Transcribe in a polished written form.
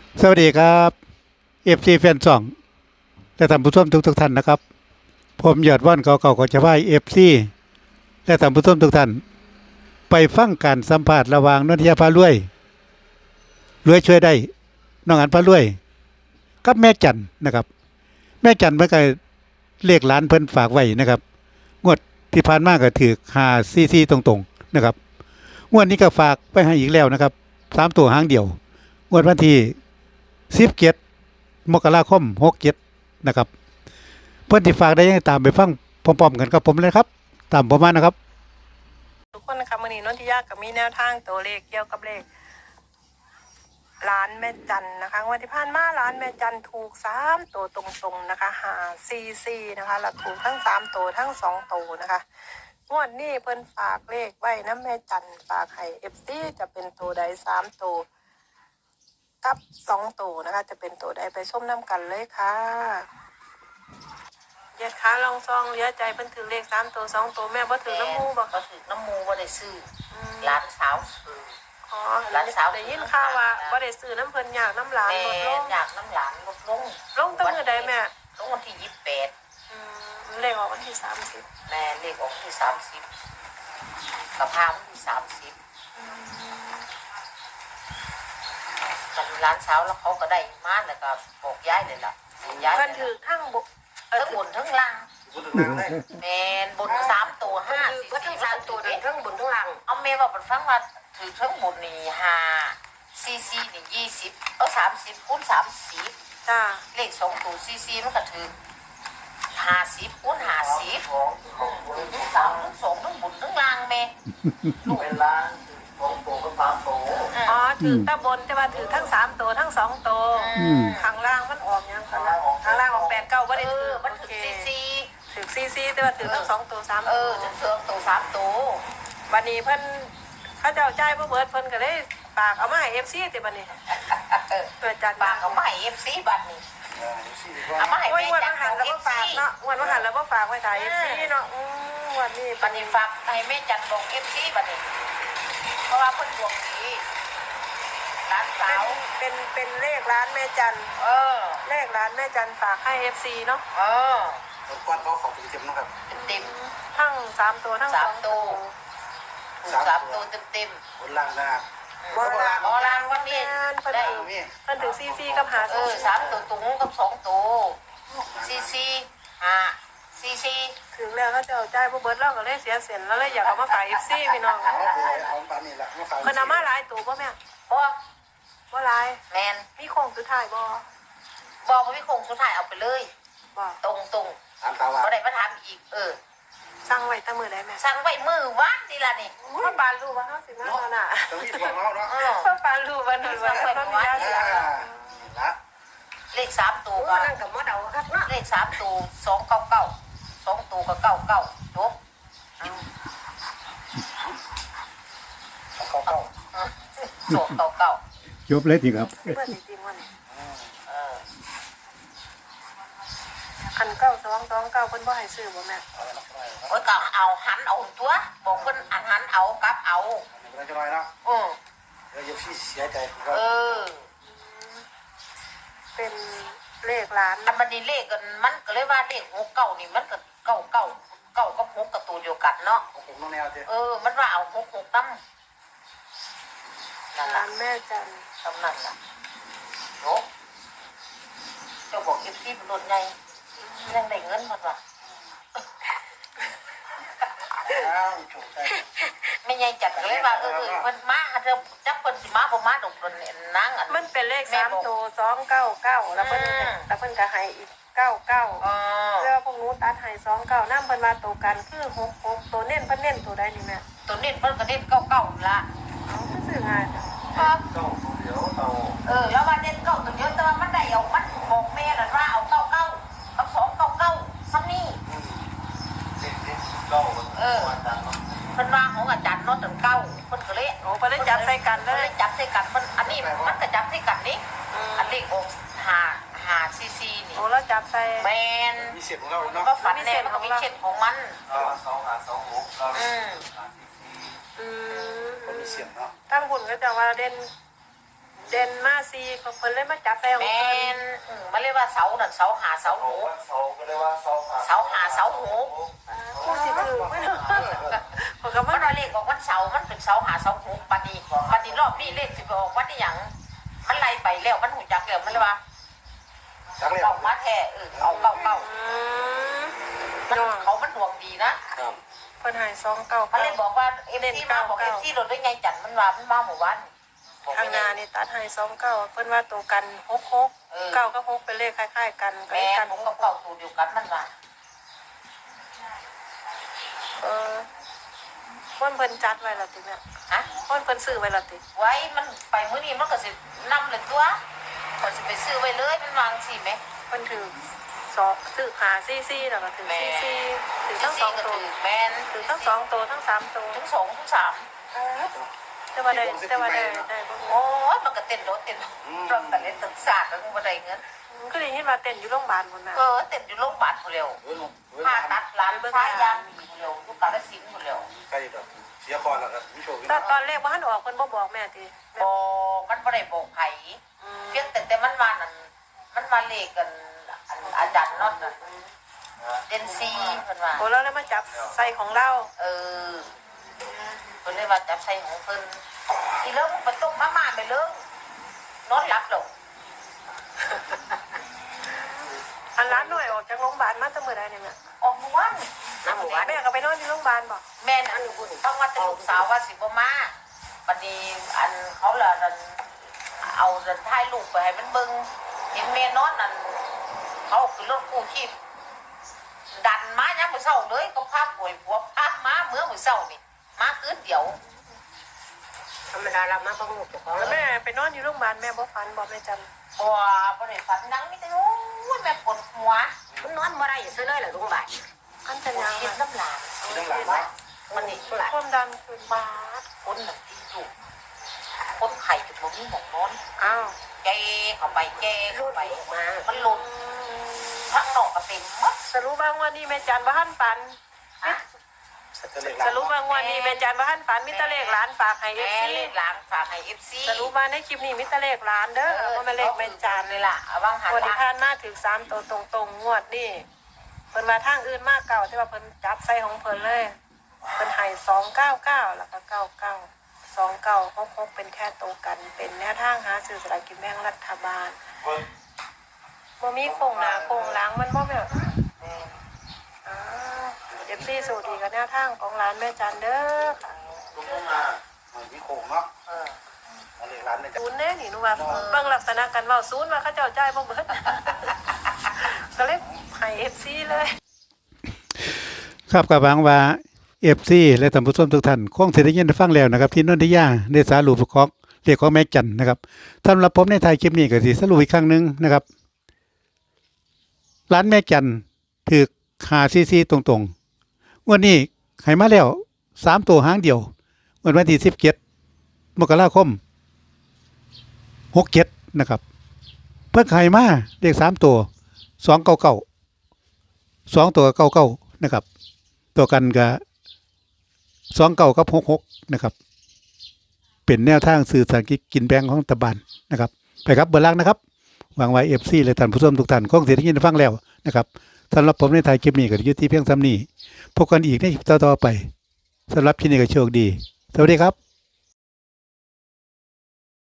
สวัสดีครับเอฟซีแฟนซองและท่านผู้ชมทุกท่านนะครับผมยอดว่านเก่าๆของชาวบ้านเอฟซีและท่านผู้ชมทุกท่านไปฟังการสัมภาษณ์ระหว่างนนทยาพารวยรวยช่วยได้น้องอันพารวยกับแม่จันนะครับแม่จันเมื่อกี้เลขหลานเพิ่นฝากไว้นะครับงวดที่ผ่านมาก็ถือ5 4 4ตรงๆนะครับงวดนี้ก็ฝากไปให้อีกแล้วนะครับ3 ตัวหางเดียวงวดวันที่17 มกราคม 67นะครับเพื่อนที่ฝากได้ยังตามไปฟังพร้อมๆกันกับผมเลยครับตามผมมานะครับทุกคนนะคะวันนี้นนทิยากับมีแนวทางตัวเลขเกี่ยวกับเลขร้านแม่จันนะคะวันที่ผ่านมาร้านแม่จันถูก3 ตัวตรงๆนะคะ5 4 4นะคะแล้วถูกทั้ง3 ตัวทั้ง2 ตัวนะคะงวดนี้เพิ่นฝากเลขไว้นะแม่จันฝากให้เอฟซีจะเป็นตัวใด3 ตัวกับ2 ตัวนะคะจะเป็นตัวใดไปชมน้ำกันเลยค่ะเย็ดขาลองซองเหลือใจเพิ่นถือเลข3 ตัว2 ตัวแม่บ่ถือน้ำมูบ่ก็ถือน้ำมูว่าได้ซื้อร้านสาวซื้ออ๋อได้ยินข่าวว่าบ่ได้ซื้อน้ำเพิ่นอยากน้ำหลานแม่ลดลงอยากน้ำหลานลดลงลงตั้งมื้อใดแม่ลงวันที่28 เลขออกวันที่30 แม่เลขออกที่30กับพาวันที่30กันร้านสาวแล้วเขาก็ได้มาแล้วก็บอกย้ายเลยล่ะย้ายเพิ่นถือทั้งบุกทั้งบนทั้งล่างแม่บน3 ตัว5 ก็ทั้ง3 ตัวทั้งบนทั้งล่างเอาแม่บอกมันฟังว่าถือทั้งบนนี่5 CC นี่20 30คูณ30 จ้าเลข2 ตัวซีซีมันก็ถือ50คูณ50ทั้งสามทั้งสองทั้งบุญทั้งล่างแม่ลูกเป็นล่าง2 ตัวกับ3 ตัวอ๋อถือตะบนแต่ว่าถือทั้ง3 ตัวทั้ง2 ตัวข้างล่างมันออกยังข้างล่างออก8 9บ่ได้ถือมันถือซีซีถือซีแต่ว่าถือทั้ง2 ตัว3 ตัวถือ2 ตัว3 ตัววันนี้เพิ่นเขาเจ้าจ่ายบ่เบิดเพิ่นก็เลยฝากเอามาให้ FC ติบัดนี้เพื่อจัดฝากเอามาให้ FC บัดนี้เอามาให้โอ้ยแม่วันจันหันขแล้อวงก็ฝาก FC เนาะวันหันแล้วก็ฝากไว้ถ่าย FC เนาะวันนี้บัดนี้ฝากให้แม่จันบอก FC บัดนี้เพราะว่าเพิ่นดวงดีร้านสาวเป็นเลขร้านแม่จันเลขร้านแม่จันฝากให้ FC เนาะรบกวนเขาขอเป็นเต็มนะครับเต็มทั้ง3 ตัวทั้ง2 ตัวถูก3 ตัวเต็มบนล่างหน้าบ่ล่ะอ๋อรางวัลนี้ได้เพิ่นถึงซีกับหา 3 ตัวตุงกับ2 ตัวซีซีถึงแล้วเขาเจ้าจ่ายบ่เบิดเราก็เลยเสียเส้นแล้วเลยอยากเอามาฝาก FC พี่น้องเอาปานนี้ละมาฝากเพิ่นเอามาหลายตัวบ่แม่บ่บ่หลายแมนมีโค้งสุดท้ายบ่บอกว่าพี่คงสุดท้ายเอาไปเลยบ่ตรงถามข่าวว่าบ่ได้มาถามอีกสั่งไว้แต่มื้อใดแม่สั่งไว้มือวานนี่ล่ะนี่พ่อปานรู้ว่าเฮาสิมาเนาะน่ะต้องมีตัวเขาเนาะพ่อปานรู้ว่านั่นว่าต้องมียาเสียละเลข3 ตัวก็นั่นก็บ่เดาครับเนาะเลข3 ตัว299 2 ตัวก็99จบเขาเข้า 299 จบเลยทีครับเพิ่นจริงๆว่านี่อัน9229เพิ่นบ่ให้ซื้อบ่แม่โอ้ยก็เอาหันเอาตัวบอกเพิ่นหันเอากลับเอาเราจะน้อยเนาะอือเดี๋ยวพี่เสียใจเป็นเลขร้านอันมันนี่เลขกันมันก็เลยว่าเลข69นี่มันก็99 9กับ6กับตัวเดียวกันเนาะผมน้องแนวเจ้มันว่าเอา66นำนั่นล่ะร้านแม่จันตำนั่นล่ะโอ้เจ้าบอกเก็บที่มันโดนไงยังได้เงินมันว่ะอ้าวโชคใจไม่ไงจัดก็เลยว่ามันมาเธอจับเพิ่นสิมาบ่มาดอกเพิ่นนางอันมันเป็นเลข3ตัว299แล้วเพิ่นก็ให้อีก99เสื้อพวกหนูตัดให้29นำเพิ่นว่าตัวกันคือ66ตัวเน้นเพิ่นเน้นตัวใดนี่แม่ตัวนี้เพิ่นก็เด็ด99ละซื้อง่ายจ้ะครับเจ้าเดี๋ยวเต่าแล้วว่าเด็ด9ตัวเดียวแต่ว่ามันได้เอามันบอกแม่นั่นว่าเอา99กับ299ซ้ำนี่เด็กเจ้าเพิ่นว่าของอาจารย์เนาะตั้งเก้าเพิ่นก็เลยโอ้เพิ่นได้จับใส่กันเลเพิ่นเลย ยจับใส่กันเพิ่นอันนี้มันก็จับใส่กันนี่อันนี้ออก5ซีซีนี่โอ้แล้วจับใส่แมนมีเสียงของเรามันเนาะก็ฝันแน่มันก็มีเช่นของมัน 2 5 2 6เราอืมคนมีเสียงเนาะตั้งบุญก็จะว่าเด่นเด่นมาซีเขาเพิ่นเลยมาจับไปของแมเพิ่นนมันเรียกว่าเสานั่นเสาหาเสาโอ้หูวันเสาร์ก็เรียกว่าเสาหาเสาหาเสาหูผู้สิถือไม่เนาะเขาก็มัมานว่าเลขของวันเสาร์มันเป็นเสาหาเสาหูปฏิรอบนี้เลขสิบออกวันนี้หยังมันไล่ไปแล้วมันหูจักแล้วมันเลยว่าจังเลยออกมาแท้เอาเก่าอืมมันเนาะเขามันดวงดีนะครับเพิ่นให้299 มันเลยบอกว่าเอฟซีมาบอกเอฟซีรถได้ไงจันมันว่ามันมาหมู่บ้านทางนานี่ตัดให้29เพิ่นว่าตัวกัน66 9กับ6เป็นเลขคล้ายๆกันก็แม่เลยกันผมกับเก่าตัวเดียวกันมันว่าเออคนเพิ่นจัดไว้และติเนี่ยฮะคนเพิ่นซื้อไว้และติไว้มันไปมื้อนี้มันก็สินำเลยตัวก็สิไปซื้อไว้เลยมันวางสิไหมเพิ่นถือถือหาซี่แล้วก็ถือซี่ถือทั้งสองก็ตัวถือแมนถือทั้ง2ตัวทั้ง3ตัวทั้งสองทั้งสามแต่ว่าได้บ่โอ้ยมันก็เต้นรถเต้นรถแต่เล่นตึกศาสตร์แล้วมันบ่ได้เงินก็ได้ยินว่าเต้นอยู่โรงพยาบาลพุ่นน่ะเต้นอยู่โรงพยาบาลผู้เร็วผ่าตัดร้านค้ายางมีผู้เร็วลูกกาฬสินธุ์ผู้เร็วใกล้แบบเสียคอแล้วครับพี่โชคแต่ตอนแรกบ่ทันออกเพิ่นบ่บอกแม่ติบ่มันบ่ได้บอกไผเพียงแต่มันมานั่นมันมาเลขกันอาจารย์น็อตน่ะเดนซีเพิ่นว่าโอ้แล้วเลยมาจับใส่ของเราเพิ่นเลยว่าจับใส่ของเพิ่นอีเลิกมันตกมาม่าไปเลิกนอนหลับหรอกอันร้านหน่อยออกจากโรงพยาบาลมาแต่มื้อใดเนี่ยแม่ออกเมื่อวานน้ำหมู่บ้านแม่ก็ไปนอนที่โรงพยาบาลบ่แม่อันนี้ต้องว่าแต่ลูกสาวว่าสิบ่มาบัดนี้อันเขาละนั่นเอาจะถ่ายรูปไปให้มันเบิ่งเห็นแม่นอนนั่นเขาคือรถกู้ชีพดันมายังมื้อเช้าเลยก็พาป่วยผัวพามาเมื่อมื้อเช้านี่มาคืนเดียวธรรมดาเรามาบ่รู้เจ้าของแล้วแม่ไปนอนอยู่โรงพยาบาลแม่บ่ฝันบ่แม่จำบ่ได้ฝันนังมีแต่โอ้ยแม่ปวดหัวมันนอนบ่ได้ซื้อเลยเหรอลุงบ่ายอันเป็นยังคิดไงน้ำลายทั้งหลังว่ามันนี่ความดันขึ้นบาดคนน่ะที่อยู่คนไข่กับบ่มีหมองนอนอ้าวแกเข้าไปแกเข้าไปมามันหลุดทั้งนอกก็เต็มหมดสรุปว่างวันนี้แม่จันบ่ทันฝันสรุปว่างวันนี้แม่จันบ่ทันฝันมีแต่เลขหลานฝากให้แม่ FC เลขหลังฝากให้ FC สรุปว่าในคลิปนี้มีแต่เลขหลานเด้อบ่แม่นเลขแม่จันเลยล่ะเอาวางหันงวดที่ละผ่านมาถึง3ตัวตรงๆงวดนี้เพิ่นมาทางอื่นมากเก่าแต่ว่าเพิ่นจับใส่ของเพิ่นเลยเพิ่นให้299แล้วก็99 2966เป็นแค่ตัวกันเป็นแนวทางหาซื้อสลากกินแบ่งรัฐบาลบ่มีโครงหน้าโครงหลังมันบ่แบบFC สูตรดีกับแนวทางของร้านแม่จันเด้อค่ะลุงต้องมามีโขงเนาะอะไรร้านเนี่ยศูนย์แน่นี่หนูว่าเบิ่งลักษณะกันเว้าศูนย์ว่าเขาเจ้าจ่ายบ่เบิดก็เลยให้ FC เลยครับกับหวังว่าFC และท่านผู้ชมทุกท่านคงสิได้ยินได้ฟังแล้วนะครับ ที่นนทิยาได้สารุปของเรียกของแม่จันนะครับสำหรับผมในท้ายคลิปนี้ก็สิสรุปอีกครั้งหนึงนะครับร้านแม่จันถูก544ตรงๆวันนี้ให้มาแล้ว3ตัวหางเดียววันที่17มกราคม67นะครับเพิ่นให้มาเลข3ตัว299 2ตัว99นะครับตัวกันกับ29กับ66นะครับเป็นแนวทางสื่อสารกินแบงของรัฐบาลนะครับไปครับเบอร์ล่างนะครับหวังไว้ FC และท่านผู้ชมทุกท่านคงสิได้ยินได้ฟังแล้วนะครับสำหรับผมในถ่ายคลิปนี้ก็อยู่ที่เพียงซ้ำนี้พบกันอีกในคลิปต่อๆไปสำหรับที่นี่ก็โชคดีสวัสดีครับ